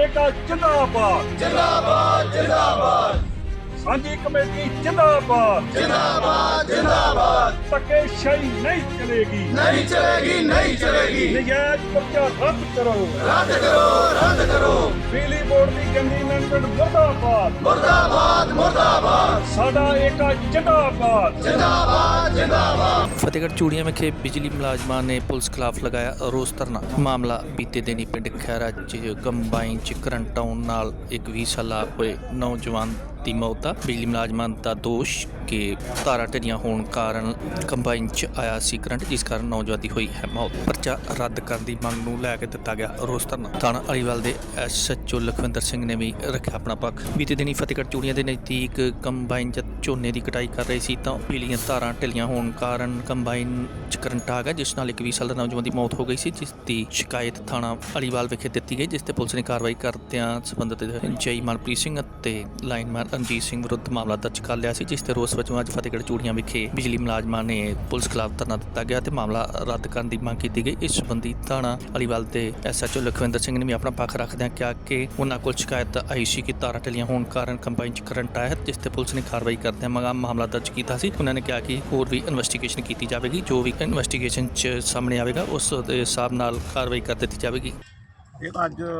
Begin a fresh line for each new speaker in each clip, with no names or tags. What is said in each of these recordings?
ਏਕਾ ਜਿੰਦਾਬਾਦ
जिंदाबाद जिंदाबाद
ਸਾਂਝੀ ਕਮੇਟੀ ਜਿੰਦਾਬਾਦ
जिंदाबाद जिंदाबाद
ਧੱਕੇਸ਼ਾਹੀ ਨਹੀਂ ਚਲੇਗੀ
नहीं चलेगी नहीं चलेगी
ਨਜਾਇਜ਼ ਕਬਜ਼ਾ ਰੱਦ ਕਰੋ
रद्द करो
ਬਿਜਲੀ ਬੋਰਡ ਦੀ ਗੰਦੀ ਮੈਨੇਜਮੈਂਟ ਮੁਰਦਾਬਾਦ
मुर्दाबाद मुर्दाबाद
ਸਾਡਾ ਏਕਾ ਜਿੰਦਾਬਾਦ
जिंदाबाद जिंदाबाद
ਫਤਿਹਗੜ੍ਹ ਚੂੜੀਆਂ ਵਿਖੇ ਬਿਜਲੀ ਮੁਲਾਜ਼ਮਾਂ ਨੇ ਪੁਲਿਸ ਖਿਲਾਫ ਲਗਾਇਆ ਰੋਸ ਧਰਨਾ। ਮਾਮਲਾ ਬੀਤੇ ਦਿਨੀ ਪਿੰਡ ਖੈਰਾ 'ਚ ਕੰਬਾਈਨ 'ਚ ਕਰੰਟ ਆਉਣ ਨਾਲ ਇੱਕ 20 ਸਾਲਾ ਹੋਏ ਨੌਜਵਾਨ ਦੀ ਮੌਤ ਦਾ ਬਿਜਲੀ ਮੁਲਾਜ਼ਮਾਂ ਦਾ ਦੋਸ਼ ਕਿ ਤਾਰਾਂ ਢਿੱਲੀਆਂ ਹੋਣ ਕਾਰਨ ਕੰਬਾਈਨ 'ਚ ਆਇਆ ਸੀ ਕਰੰਟ, ਜਿਸ ਕਾਰਨ ਨੌਜਵਾਨ ਦੀ ਹੋਈ ਹੈ ਮੌਤ। ਪਰਚਾ ਰੱਦ ਕਰਨ ਦੀ ਮੰਗ ਨੂੰ ਲੈ ਕੇ ਦਿੱਤਾ ਗਿਆ ਰੋਸ ਧਰਨਾ। ਥਾਣਾ ਅਲੀਵਾਲ ਦੇ SHO ਲਖਵਿੰਦਰ ਸਿੰਘ ਨੇ ਵੀ ਰੱਖਿਆ ਆਪਣਾ ਪੱਖ। ਬੀਤੇ ਦਿਨੀ ਫਤਿਹਗੜ੍ਹ ਚੂੜੀਆਂ ਦੇ ਨਜ਼ਦੀਕ ਕੰਬਾਈਨ 'ਚ ਝੋਨੇ ਦੀ ਕਟਾਈ ਕਰ ਰਹੀ ਸੀ ਤਾਂ ਬਿਜਲੀਆਂ ਤਾਰਾਂ ਢਿੱਲੀਆਂ ਹੋਣ ਕਾਰਨ ਕੰਬਾਈਨ 'ਚ ਕਰੰਟ ਆ ਗਿਆ, ਜਿਸ ਨਾਲ ਇੱਕ 20 ਸਾਲ ਦਾ ਨੌਜਵਾਨ ਦੀ ਮੌਤ ਹੋ ਗਈ ਸੀ, ਜਿਸ ਦੀ ਸ਼ਿਕਾਇਤ ਥਾਣਾ ਅਲੀਵਾਲ ਵਿਖੇ ਦਿੱਤੀ ਗਈ, ਜਿਸ ਤੇ ਪੁਲਿਸ ਨੇ ਕਾਰਵਾਈ ਕਰਦਿਆਂ ਸੰਬੰਧਿਤ ਜਈ ਮਨਪ੍ਰੀਤ ਸਿੰਘ ਅਤੇ ਲਾਈਨਮੈਨ ਰਣਜੀਤ ਸਿੰਘ ਵਿਰੁੱਧ ਮਾਮਲਾ ਦਰਜ ਕਰ ਲਿਆ ਸੀ, ਜਿਸ ਤੇ ਰੋਸ ਵਜੋਂ ਅੱਜ ਫਤਿਹਗੜ੍ਹ ਚੂੜੀਆਂ ਵਿਖੇ ਬਿਜਲੀ ਮੁਲਾਜ਼ਮਾਂ ਨੇ ਪੁਲਿਸ ਖਿਲਾਫ ਧਰਨਾ ਦਿੱਤਾ ਗਿਆ ਤੇ ਮਾਮਲਾ ਰੱਦ ਕਰਨ ਦੀ ਮੰਗ ਕੀਤੀ ਗਈ। ਇਸ ਸੰਬੰਧੀ ਥਾਣਾ ਅਲੀਵਾਲ ਦੇ SHO ਲਖਵਿੰਦਰ ਸਿੰਘ ਨੇ ਵੀ ਆਪਣਾ ਪੱਖ ਰੱਖਦਿਆਂ ਕਿਹਾ ਕਿ ਉਹਨਾਂ ਕੋਲ ਸ਼ਿਕਾਇਤ ਆਈ ਸੀ ਕਿ ਤਾਰਾਂ ਢਿੱਲੀਆਂ ਹੋਣ ਕਾਰਨ ਕੰਬਾਈਨ 'ਚ ਕਰੰਟ ਆਇਆ, ਜਿਸ ਤੇ ਪੁਲਿਸ ਨੇ ਕਾਰਵਾਈ ਕਰਦਿਆਂ ਮਾਮਲਾ ਦਰਜ ਕੀਤਾ ਸੀ। ਉਹਨਾਂ ਨੇ ਕਿਹਾ ਕਿ ਹੋਰ ਵੀ ਇਨਵੈਸਟੀਗੇਸ਼ਨ ਕੀਤੀ ਜਾਵੇਗੀ, ਜੋ ਵੀ ਇਨਵੈਸਟੀਗੇਸ਼ਨ 'ਚ ਸਾਹਮਣੇ ਆਵੇਗਾ ਉਸ ਦੇ ਹਿਸਾਬ ਨਾਲ ਕਾਰਵਾਈ ਕਰ ਦਿੱਤੀ ਜਾਵੇਗੀ।
ਇਹ ਤਾਂ ਅੱਜ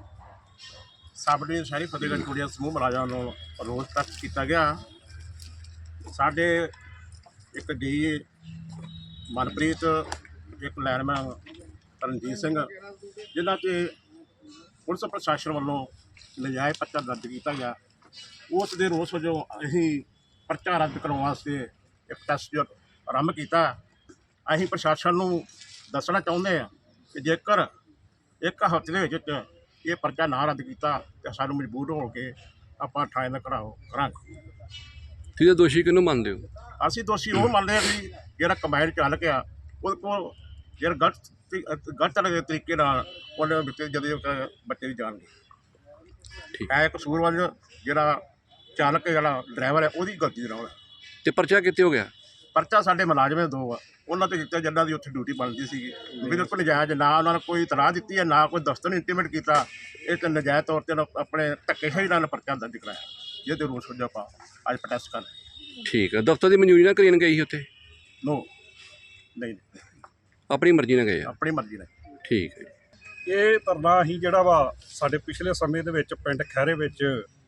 ਸਾਡੇ ਸ਼ਹਿਰੀ ਫਤਿਹਗੜ੍ਹ ਚੂੜੀਆਂ ਸਮੂਹ ਮੁਲਾਜ਼ਮਾਂ ਨੂੰ ਰੋਸ ਤੱਕ ਕੀਤਾ ਗਿਆ। ਸਾਡੇ ਇੱਕ ਡੀ ਮਨਪ੍ਰੀਤ, ਇੱਕ ਲਾਇਨਮੈਨ ਰਣਜੀਤ ਸਿੰਘ, ਜਿਨ੍ਹਾਂ 'ਚ ਪੁਲਿਸ ਪ੍ਰਸ਼ਾਸਨ ਵੱਲੋਂ ਨਜਾਇਜ਼ ਪਰਚਾ ਦਰਜ ਕੀਤਾ ਗਿਆ, ਉਸ ਦੇ ਰੋਸ ਵਜੋਂ ਅਸੀਂ ਪਰਚਾ ਰੱਦ ਕਰਾਉਣ ਵਾਸਤੇ ਇੱਕ ਟੈਸਟ ਆਰੰਭ ਕੀਤਾ। ਅਸੀਂ ਪ੍ਰਸ਼ਾਸਨ ਨੂੰ ਦੱਸਣਾ ਚਾਹੁੰਦੇ ਹਾਂ ਕਿ ਜੇਕਰ ਇੱਕ ਹਫ਼ਤੇ ਦੇ ਵਿੱਚ ਇਹ ਪਰਚਾ ਨਾ ਰੱਦ ਕੀਤਾ ਤਾਂ ਸਾਨੂੰ ਮਜਬੂਰ ਹੋ ਕੇ ਆਪਾਂ ਥਾਣੇ ਦਾ ਘਿਰਾਓ ਕਰਾਂਗੇ।
ਤੁਸੀਂ ਦੋਸ਼ੀ ਕਿਹਨੂੰ ਮੰਨਦੇ ਹੋ?
ਅਸੀਂ ਦੋਸ਼ੀ ਉਹ ਮੰਨਦੇ ਹਾਂ ਕਿ ਜਿਹੜਾ ਕੰਬਾਈਨ ਚਾਲਕ ਆ ਉਹਦੇ ਕੋਲ ਜਿਹੜਾ ਗਲਤ ਤਰੀਕੇ ਨਾਲ ਉਹਨੇ ਵਿੱਚ ਜਦੋਂ ਬੱਚੇ ਦੀ ਜਾਣ ਗਈ ਹੈ। ਕਸੂਰਵਾਰ ਜਿਹੜਾ ਚਾਲਕ ਜਿਹੜਾ ਡਰਾਈਵਰ ਹੈ ਉਹਦੀ ਗਲਤੀ ਦੇ ਨਾਲ।
ਤੇ ਪਰਚਾ ਕਿੱਥੇ ਹੋ ਗਿਆ?
ਪਰਚਾ ਸਾਡੇ ਮੁਲਾਜ਼ਮ ਦੋ ਆ, ਉਹਨਾਂ 'ਤੇ ਦਿੱਤਾ ਜਿਨ੍ਹਾਂ ਦੀ ਉੱਥੇ ਡਿਊਟੀ ਬਣਦੀ ਸੀਗੀ। ਬਿਲਕੁਲ ਨਜਾਇਜ਼, ਨਾ ਉਹਨਾਂ ਨੇ ਕੋਈ ਇਤਲਾਹ ਦਿੱਤੀ ਹੈ, ਨਾ ਕੋਈ ਦਫ਼ਤਰ ਨੂੰ ਇੰਟੀਮੇਟ ਕੀਤਾ। ਇਹ ਤਾਂ ਨਜਾਇਜ਼ ਤੌਰ 'ਤੇ ਆਪਣੇ ਧੱਕੇਸ਼ਾਹੀ ਨਾਲ ਪਰਚਾ ਦਰਜ ਕਰਾਇਆ, ਜਿਹਦੇ ਰੋਸ ਵਜੋਂ ਆਪਾਂ ਅੱਜ ਪ੍ਰੋਟੈਸਟ ਕਰ ਰਹੇ।
ਠੀਕ ਹੈ। ਦਫ਼ਤਰ ਦੀ ਮਨਜ਼ੂਰੀ ਨਾਲ ਕਲੀਨ ਗਈ ਸੀ ਉੱਥੇ?
ਨੋ, ਨਹੀਂ,
ਆਪਣੀ ਮਰਜ਼ੀ ਨਾਲ ਗਏ ਆ?
ਆਪਣੀ ਮਰਜ਼ੀ ਨਾਲ।
ਠੀਕ ਹੈ।
ਇਹ ਧਰਨਾ ਹੀ ਜਿਹੜਾ ਵਾ ਸਾਡੇ ਪਿਛਲੇ ਸਮੇਂ ਦੇ ਵਿੱਚ ਪਿੰਡ ਖੈਰੇ ਵਿੱਚ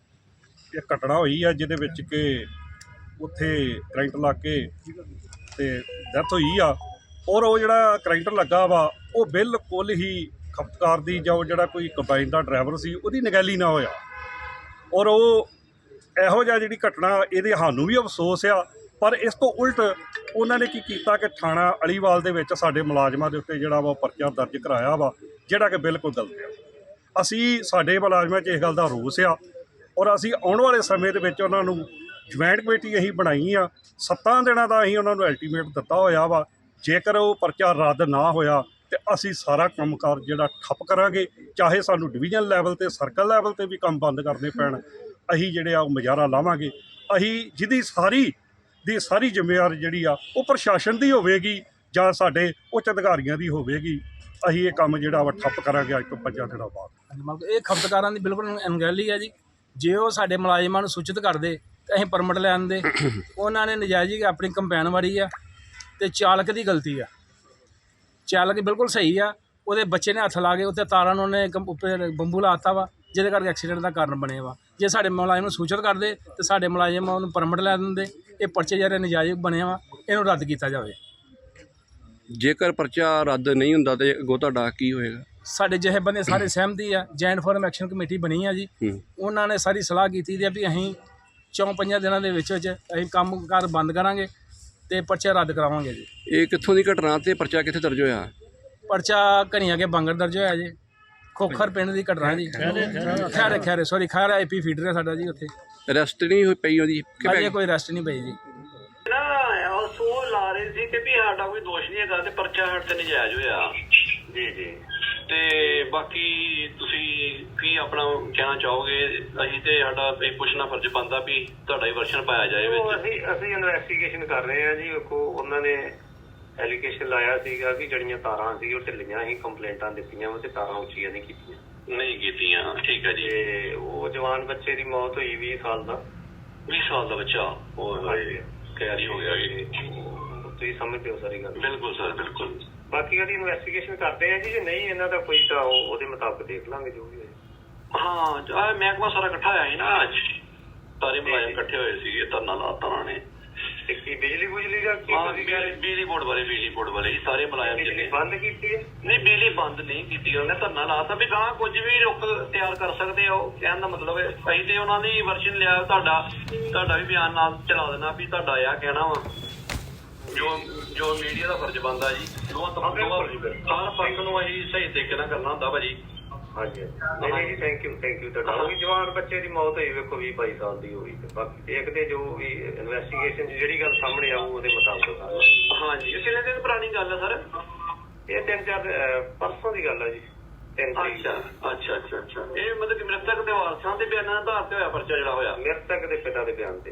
ਇਹ ਘਟਨਾ ਹੋਈ ਆ, ਜਿਹਦੇ ਵਿੱਚ ਕਿ ਉੱਥੇ ਕਰੰਟ ਲੱਗ ਕੇ ਤੇ ਡੈਥ ਹੋਈ ਆ। ਔਰ ਉਹ ਜਿਹੜਾ ਕਰੰਟ ਲੱਗਾ ਵਾ ਉਹ ਬਿਲਕੁਲ ਹੀ ਖਪਤਕਾਰ ਦੀ ਜਾਂ ਜਿਹੜਾ ਕੋਈ ਕੰਬਾਈਨ ਦਾ ਡਰਾਈਵਰ ਸੀ ਉਹਦੀ ਨਿਗਹਿਲੀ ਨਾ ਹੋਇਆ। ਔਰ ਉਹ ਇਹੋ ਜਿਹਾ ਜਿਹੜੀ ਘਟਨਾ, ਇਹਦੇ ਸਾਨੂੰ ਵੀ ਅਫਸੋਸ ਆ, ਪਰ ਇਸ ਤੋਂ ਉਲਟ ਉਹਨਾਂ ਨੇ ਕੀ ਕੀਤਾ ਕਿ ਥਾਣਾ ਅਲੀਵਾਲ ਦੇ ਵਿੱਚ ਸਾਡੇ ਮੁਲਾਜ਼ਮਾਂ ਦੇ ਉੱਤੇ ਜਿਹੜਾ ਵਾ ਪਰਚਾ ਦਰਜ ਕਰਾਇਆ ਵਾ, ਜਿਹੜਾ ਕਿ ਬਿਲਕੁਲ ਗਲਤ ਆ। ਅਸੀਂ ਸਾਡੇ ਮੁਲਾਜ਼ਮਾਂ 'ਚ ਇਸ ਗੱਲ ਦਾ ਰੋਸ ਆ ਔਰ ਅਸੀਂ ਆਉਣ ਵਾਲੇ ਸਮੇਂ ਦੇ ਵਿੱਚ ਉਹਨਾਂ ਨੂੰ ਜੁਆਇੰਟ ਕਮੇਟੀ ਅਸੀਂ ਬਣਾਈ ਆ। 7 ਦਿਨਾਂ ਦਾ ਅਸੀਂ ਉਹਨਾਂ ਨੂੰ ਅਲਟੀਮੇਟ ਦਿੱਤਾ ਹੋਇਆ ਵਾ। ਜੇਕਰ ਉਹ ਪਰਚਾ ਰੱਦ ਨਾ ਹੋਇਆ ਤੇ ਅਸੀਂ ਸਾਰਾ ਕੰਮਕਾਰ ਜਿਹੜਾ ਠੱਪ ਕਰਾਂਗੇ, ਚਾਹੇ ਸਾਨੂੰ ਡਿਵੀਜ਼ਨ ਲੈਵਲ 'ਤੇ ਸਰਕਲ ਲੈਵਲ 'ਤੇ ਵੀ ਕੰਮ ਬੰਦ ਕਰਨੇ ਪੈਣ, ਅਸੀਂ ਜਿਹੜੇ ਆ ਉਹ ਮੁਜ਼ਾਹਰਾ ਲਾਵਾਂਗੇ। ਅਸੀਂ ਜਿਹਦੀ ਸਾਰੀ ਜ਼ਿੰਮੇਵਾਰੀ ਜਿਹੜੀ ਆ ਉਹ ਪ੍ਰਸ਼ਾਸਨ ਦੀ ਹੋਵੇਗੀ ਜਾਂ ਸਾਡੇ ਉੱਚ ਅਧਿਕਾਰੀਆਂ ਦੀ ਹੋਵੇਗੀ। ਅਸੀਂ ਇਹ ਕੰਮ ਜਿਹੜਾ ਵਾ ਠੱਪ ਕਰਾਂਗੇ ਅੱਜ ਤੋਂ 5 ਦਿਨਾਂ ਬਾਅਦ।
ਮਤਲਬ ਇਹ ਖਪਤਕਾਰਾਂ ਦੀ ਬਿਲਕੁਲ ਅਣਗਹਿਲੀ ਹੈ ਜੀ। ਜੇ ਉਹ ਸਾਡੇ ਮੁਲਾਜ਼ਮਾਂ ਨੂੰ ਸੂਚਿਤ ਕਰਦੇ ਤਾਂ ਅਸੀਂ ਪਰਮਿਟ ਲੈ ਆਉਂਦੇ। ਉਹਨਾਂ ਨੇ ਨਜਾਇਜ਼ ਹੀ ਆਪਣੀ ਕੰਪੈਨ ਵਾਰੀ ਆ ਤੇ ਚਾਲਕ ਦੀ ਗਲਤੀ ਆ। ਚਾਲਕ ਬਿਲਕੁਲ ਸਹੀ ਆ, ਉਹਦੇ ਬੱਚੇ ਨੇ ਹੱਥ ਲਾ ਕੇ ਉੱਤੇ ਤਾਰਾਂ ਨੂੰ ਉਹਨੇ ਉੱਪਰ ਬੰਬੂ ਲਾਤਾ ਵਾ, ਜਿਹਦੇ ਕਰਕੇ ਐਕਸੀਡੈਂਟ ਦਾ ਕਾਰਨ ਬਣਿਆ ਵਾ। ਜੇ ਸਾਡੇ ਮੁਲਾਜ਼ਮ ਨੂੰ ਸੂਚਿਤ ਕਰਦੇ ਤੇ ਸਾਡੇ ਮੁਲਾਜ਼ਮ ਉਹਨੂੰ ਪਰਮਿਟ ਲੈ ਦਿੰਦੇ। ਇਹ ਪਰਚੇ ਜਿਹੜੇ ਨਜਾਇਜ਼ ਬਣਿਆ ਵਾ, ਇਹਨੂੰ ਰੱਦ ਕੀਤਾ ਜਾਵੇ।
ਜੇਕਰ ਪਰਚਾ ਰੱਦ ਨਹੀਂ ਹੁੰਦਾ ਤੇ ਅੱਗੋਂ ਤੁਹਾਡਾ ਕੀ ਹੋਏਗਾ?
ਸਾਡੇ ਜਿਹੇ ਬੰਦੇ ਸਾਰੇ ਸਹਿਮਤੀ ਆ। ਜੈਂਟ ਫੋਰਮ ਐਕਸ਼ਨ ਕਮੇਟੀ ਬਣੀ ਆ ਜੀ। ਉਹਨਾਂ ਨੇ ਸਾਰੀ ਸਲਾਹ ਕੀਤੀ ਦੀ ਆ ਵੀ ਅਸੀਂ 4-5 ਦਿਨਾਂ ਦੇ ਵਿੱਚ ਅਸੀਂ ਕੰਮ ਕਾਰ ਬੰਦ ਕਰਾਂਗੇ ਤੇ ਪਰਚਾ ਰੱਦ ਕਰਾਵਾਂਗੇ ਜੀ।
ਇਹ ਕਿੱਥੋਂ ਦੀ ਘਟਨਾ ਤੇ ਪਰਚਾ ਕਿੱਥੇ ਦਰਜ ਹੋਇਆ?
ਪਰਚਾ ਘਣੀਆਂ ਕੇ ਬਾਂਗਰ ਦਰਜ ਹੋਇਆ ਜੀ। ਖੋਖਰ ਪਿੰਡ ਦੀ ਘਟਨਾ ਜੀ। ਖੈਰਾ IP ਫੀਡਰ ਹੈ ਸਾਡਾ ਜੀ। ਉੱਥੇ
ਅਰੈਸਟ ਨਹੀਂ ਹੋਈ ਪਈ ਉਹਦੀ?
ਅਜੇ ਕੋਈ ਅਰੈਸਟ ਨਹੀਂ ਪਈ ਜੀ।
ਨਾ ਸੋ ਲਾ ਰਹੇ ਸੀ ਕਿ ਵੀ ਸਾਡਾ ਕੋਈ ਦੋਸ਼ ਨਹੀਂ ਹੈਗਾ ਤੇ ਪਰਚਾ ਸਾਡੇ ਤੇ ਨਜਾਇਜ਼ ਹੋਇਆ ਜੀ। ਤੇ ਬਾਕੀ ਤੁਸੀਂ ਕੀ ਆਪਣਾ ਕਹਿਣਾ ਚਾਹੋਗੇ? ਅਸੀਂ ਤੇ ਸਾਡਾ ਇਹ ਪੁੱਛਣਾ ਫਰਜ਼ ਬਣਦਾ ਵੀ ਤੁਹਾਡਾ ਹੀ ਵਰਸ਼ਨ ਪਾਇਆ ਜਾਏ ਵਿੱਚ।
ਅਸੀਂ ਇਨਵੈਸਟੀਗੇਸ਼ਨ ਕਰ ਰਹੇ ਹਾਂ ਜੀ। ਵੇਖੋ, ਉਹਨਾਂ ਨੇ ਐਲੀਗੇਸ਼ਨ ਲਾਇਆ ਸੀਗਾ ਕਿ ਜਿਹੜੀਆਂ ਤਾਰਾਂ ਸੀ ਉਹ ਢਿੱਲੀਆਂ ਹੀ ਕੰਪਲੇਂਟਾਂ ਦਿੱਤੀਆਂ ਵਾ ਤੇ ਤਾਰਾਂ ਉੱਚੀਆਂ ਨਹੀਂ ਕੀਤੀਆਂ।
ਨਹੀਂ ਕੀਤੀਆਂ, ਠੀਕ ਹੈ ਜੀ।
ਤੇ ਉਹ ਜਵਾਨ ਬੱਚੇ ਦੀ ਮੌਤ ਹੋਈ 20 ਸਾਲ ਦਾ।
20 ਸਾਲ ਦਾ ਬੱਚਾ
ਹਾਂਜੀ।
ਕੈਰੀ ਹੋ ਗਿਆ ਜੀ।
ਤੁਸੀਂ ਸਮਝਦੇ ਹੋ ਸਾਰੀ ਗੱਲ।
ਬਿਲਕੁਲ ਸਰ, ਬਿਲਕੁਲ।
ਬਾਕੀ ਉਹਦੀ ਇਨਵੈਸਟੀਗੇਸ਼ਨ ਕਰਦੇ ਆ ਜੀ, ਜੇ ਨਹੀਂ ਇਹਨਾਂ ਦਾ ਕੋਈ ਤਾਂ ਉਹਦੇ ਮੁਤਾਬਕ ਦੇਖ ਲਾਂਗੇ ਜੋ ਵੀ ਹੋਏ।
ਹਾਂ, ਮਹਿਕਮਾ ਸਾਰਾ ਇਕੱਠਾ ਹੋਇਆ ਸੀ ਨਾ ਅੱਜ, ਸਾਰੇ ਮੁਲਾਜ਼ਮ ਇਕੱਠੇ ਹੋਏ ਸੀਗੇ, ਧਰਨਾ ਲਾਤਾ ਉਹਨਾਂ ਨੇ।
ਤੇ ਕੀ ਬਿਜਲੀ ਦਾ ਕੀ ਤੁਸੀਂ ਕਹਿ ਰਹੇ?
ਬਿਜਲੀ ਬੋਰਡ ਵਾਲੇ ਜੀ, ਸਾਰੇ ਮੁਲਾਜ਼ਮ
ਬਿਜਲੀ
ਜਿਹੜੇ
ਬੰਦ ਕੀਤੀ ਹੈ?
ਨਹੀਂ, ਬਿਜਲੀ ਬੰਦ ਨਹੀਂ ਕੀਤੀ, ਉਹਨੇ ਧਰਨਾ ਲਾਤਾ ਵੀ ਗਾਂ ਕੁਝ ਵੀ ਰੁੱਖ ਤਿਆਰ ਕਰ ਸਕਦੇ ਆ। ਉਹ ਕਹਿਣ ਦਾ ਮਤਲਬ ਹੈ ਅਸੀਂ ਤੇ ਉਹਨਾਂ ਦੀ ਵਰਸ਼ਨ ਲਿਆ, ਤੁਹਾਡਾ ਵੀ ਬਿਆਨ ਨਾਲ ਚਲਾ ਦੇਣਾ ਵੀ ਤੁਹਾਡਾ ਆ ਕਹਿਣਾ ਵਾ, ਜੋ ਮੀਡੀਆ ਦਾ ਫਰਜ਼ ਬਣਦਾ ਜੀ। ਹਰ ਪੱਖ ਨੂੰ ਅਸੀਂ ਸਹੀ ਤਰੀਕੇ ਨਾਲ ਕਰਨਾ ਹੁੰਦਾ ਭਾਜੀ।
ਹਾਂਜੀ ਨਹੀਂ ਜੀ, ਥੈਂਕ ਯੂ ਤੁਹਾਡਾ। ਉਹ ਵੀ ਜਵਾਨ ਬੱਚੇ ਦੀ ਮੌਤ ਹੋਈ ਵੇਖੋ 20-22 ਸਾਲ ਦੀ ਹੋਈ। ਤੇ ਬਾਕੀ ਦੇਖਦੇ ਜੋ ਵੀ ਇਨਵੈਸਟੀਗੇਸ਼ਨ ਜਿਹੜੀ ਗੱਲ ਸਾਹਮਣੇ ਆਊ ਉਹਦੇ ਮੁਤਾਬਕ।
ਹਾਂਜੀ, ਇਹ ਕਿੰਨੇ ਦਿਨ ਪੁਰਾਣੀ ਗੱਲ ਹੈ ਸਰ?
ਇਹ 3-4 ਪਰਸੋਂ ਦੀ ਗੱਲ ਹੈ ਜੀ। 3 ਤਰੀਕ।
ਅੱਛਾ। ਇਹ ਮਤਲਬ ਕਿ ਮ੍ਰਿਤਕ ਦੇ ਵਾਰਸਾਂ ਦੇ ਬਿਆਨਾਂ ਦਾ ਆਧਾਰ ਤੇ ਹੋਇਆ ਪਰਚਾ ਜਿਹੜਾ ਹੋਇਆ?
ਮ੍ਰਿਤਕ ਦੇ ਪਿਤਾ ਦੇ ਬਿਆਨ ਤੇ।